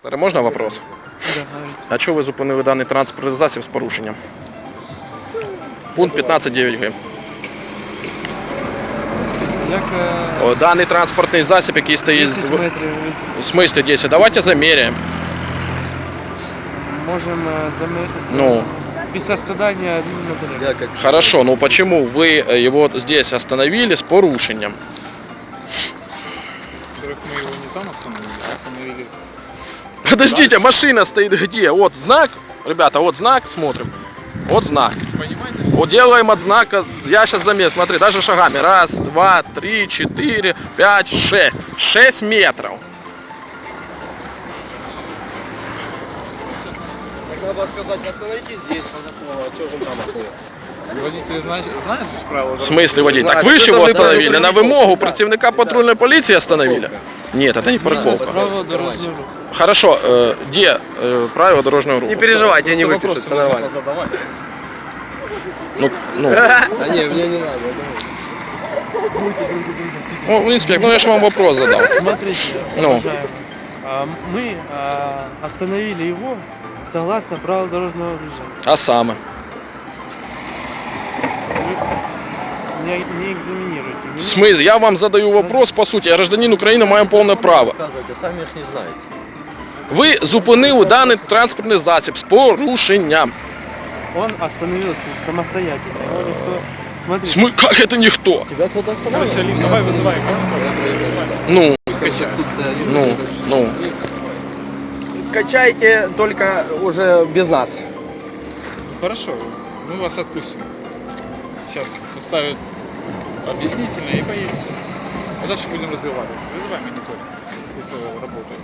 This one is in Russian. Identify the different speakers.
Speaker 1: Можна вопрос?
Speaker 2: Да, говорите.
Speaker 1: А чого ви зупинили даний транспортний засіб з порушенням? Пункт 15.9 г.
Speaker 2: Як
Speaker 1: Даний транспортний засіб, який стоїть...
Speaker 2: 10 метрів
Speaker 1: В смысле 10? Давайте замеряем.
Speaker 2: можемо замірити
Speaker 1: Ну.
Speaker 2: після складання адмінматеріалів.
Speaker 1: Хорошо, но почему вы его здесь остановили с порушением?
Speaker 3: Во-первых, мы его не там остановили, а остановили.
Speaker 1: Подождите, машина стоит где? Вот знак, ребята, вот знак, смотрим. Вот знак.
Speaker 3: Понимаете?
Speaker 1: Вот делаем от знака, я сейчас замерю, смотри, даже шагами. Раз, два, три, четыре, пять, шесть. 6 метров.
Speaker 4: Так надо сказать, остановитесь здесь, по закону, а что же там остановился?
Speaker 3: Водитель знает же правила.
Speaker 1: В смысле водитель? Так
Speaker 4: Знаю,
Speaker 1: вы же
Speaker 4: что
Speaker 1: его
Speaker 4: там
Speaker 1: остановили,
Speaker 4: неправильно
Speaker 1: на
Speaker 4: парковка.
Speaker 1: вымогу працівника патрульной полиции остановили? Нет, это не парковка.
Speaker 2: Правила дорожнього руху.
Speaker 1: Хорошо, где правила дорожного руху?
Speaker 4: Не переживайте, я не
Speaker 3: Просто
Speaker 4: выпишу,
Speaker 3: вопросы
Speaker 4: все нормально.
Speaker 3: можно задавать.
Speaker 1: Ну,
Speaker 4: А не, мне не надо.
Speaker 1: ну, инспектор, ну я же вам вопрос задал.
Speaker 2: Смотрите,
Speaker 1: Ну.
Speaker 2: уважаемый, мы остановили его согласно правил дорожного движения.
Speaker 1: А саме?
Speaker 2: Не экзаменируйте.
Speaker 1: В смысле? Я вам задаю вопрос, по суті, я гражданин України, маю повне право.
Speaker 4: Рассказывайте, сами ж не знаете.
Speaker 1: Ви зупинили даний транспортний засіб з порушенням.
Speaker 2: Он остановился самостоятельно. Его никто... Смотрите,
Speaker 1: Как это ніхто?
Speaker 4: Тебя кто-то остановил?
Speaker 3: Короче, Алин, давай вызывай.
Speaker 1: Ну.
Speaker 4: Качайте только уже без нас.
Speaker 3: Хорошо, мы вас отпустим. Сейчас составят объяснительное и поедете. А дальше будем развивать. Вызывай монитор. Пусть работает.